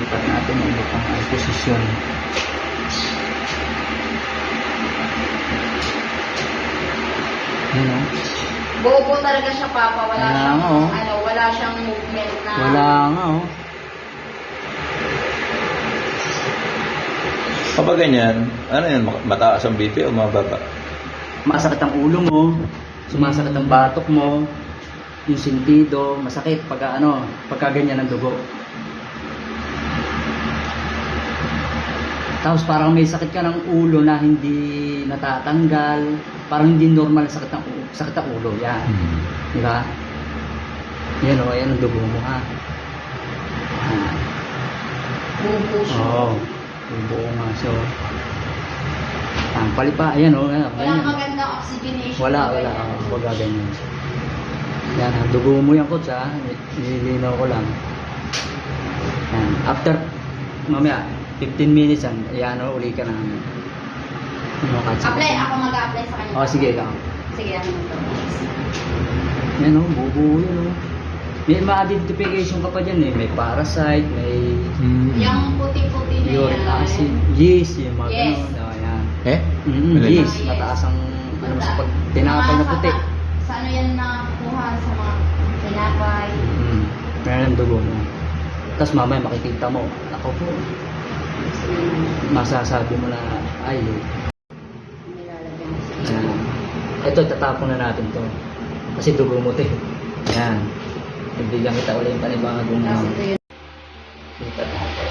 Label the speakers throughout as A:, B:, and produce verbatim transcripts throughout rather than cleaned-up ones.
A: lipat natin ang ibang posisyon. Yun o.
B: Bobo talaga siya, Papa. Wala
A: Wala
B: siyang,
A: nga, oh.
B: ano, wala siyang movement na...
A: Wala nga o.
C: Kapag ganyan, ano yan, mataas ang B P o mababa?
A: Masakit ang ulo mo, sumasakit ang batok mo, yung sentido, masakit pagka ano, pagka ganyan ang dugo. Tapos parang may sakit ka ng ulo na hindi natatanggal, parang hindi normal sakit ng ulo, sakit ng ulo, yan.
C: Hmm.
A: Di ba? Yan o, yan ang dugo mo ha. Ah.
B: Bobo siya.
A: Oo, yung buo nga. So, ang palipa, ayan o, ayan,
B: Walang
A: ganyan.
B: magandang oxygenation.
A: Wala, wala. Huwag ganyan. Yan, ha, dugo mo yan, coach, ha. Nililinaw ko lang. Yan. After, mamaya, fifteen minutes yan, ayan, o, uli ka na. Ano, coach?
B: Apply, ako mag-a-apply sa kanya.
A: O, sige, ikaw.
B: Sige, ano ito.
A: Yan, o, bubuo yun, o. May ma-identification ka pa dyan, eh. May parasite, may
B: Yung puti-puti na
A: uric
B: yan.
A: acid, yeast, yung mga
B: Yes.
A: ganun. O, yan.
C: Eh?
A: Mm,
C: Alin?
A: yeast,
B: Yes.
A: mataas ang, ano, sa pag tinapay na puti.
B: Sa, sa ano yan nakakuha sa mga tinapay.
A: Mm. Meron ang dugo mo. Tapos mamaya makikita mo, ako po, masasabi mo na, ay,
B: Nilalagyan mo sa
A: ayan. Ito, tatapon na natin to. Kasi dugo mo to eh. Ayan. Bibigyan kita ulit yung panibagong
B: Tapos
A: ano.
B: ito yun.
A: Lipat natin.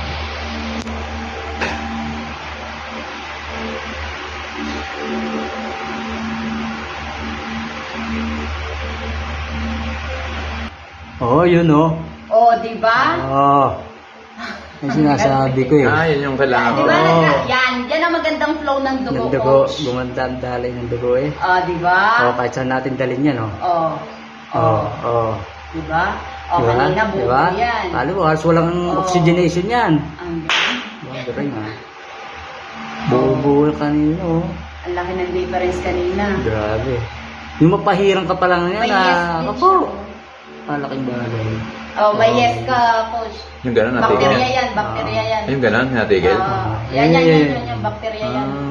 A: Oh, yun oh.
B: Oh, di ba?
A: Oh. Yung sinasabi ko eh.
C: Ah, yun yung kailangan
B: Di
C: ko.
B: ba?
A: Oo.
B: nagka- Yan, yan ang magandang flow ng dugo,
A: Ng dugo,
B: coach.
A: gumanda ang daloy ng dugo eh.
B: Oh, di ba?
A: Oh, kahit saan natin dalhin yan oh.
B: Oh.
A: Oh, oh.
B: Di ba? Oh,
A: Diba?
B: kanina buo
A: Diba?
B: yan.
A: Lalo, halos walang
B: Oo.
A: oxygenation yan.
B: Ang galing.
A: Ang galing ha. Buo-buo kanina oh.
B: Ang laki ng difference kanina.
A: Grabe. Yung mapahirang ka pa lang yan
B: May yes
A: ah.
B: din
A: Ako.
B: siya.
A: Malaking bagay.
B: Oh, may
A: Oo.
B: yes ka, coach.
C: Yung gano'n natigil.
B: Bakterya yan, bakterya yan.
C: Yung gano'n natigil.
B: Ah, yan, yan, yan, yan, yan, bakterya yan.
A: Ah.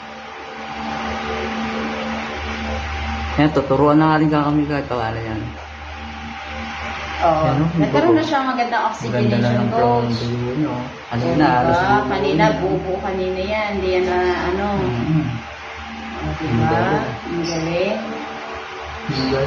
A: Yan, tuturuan na nga rin kami kahit pawala yan.
B: Oo.
A: Yan, no?
B: Nagkaroon na siyang magandang
A: Ganda na
B: oxygenation,
A: ng flow ng
B: coach.
A: dugo nyo. Ano
B: Oo,
A: na, halos
B: diba?
A: buo
B: Kanina,
A: yun.
B: bubo kanina yan. Hindi yan na, ano.
A: Mm.
B: Oh, diba?
A: Ang galing.
B: Ang galing.
A: Ang galing.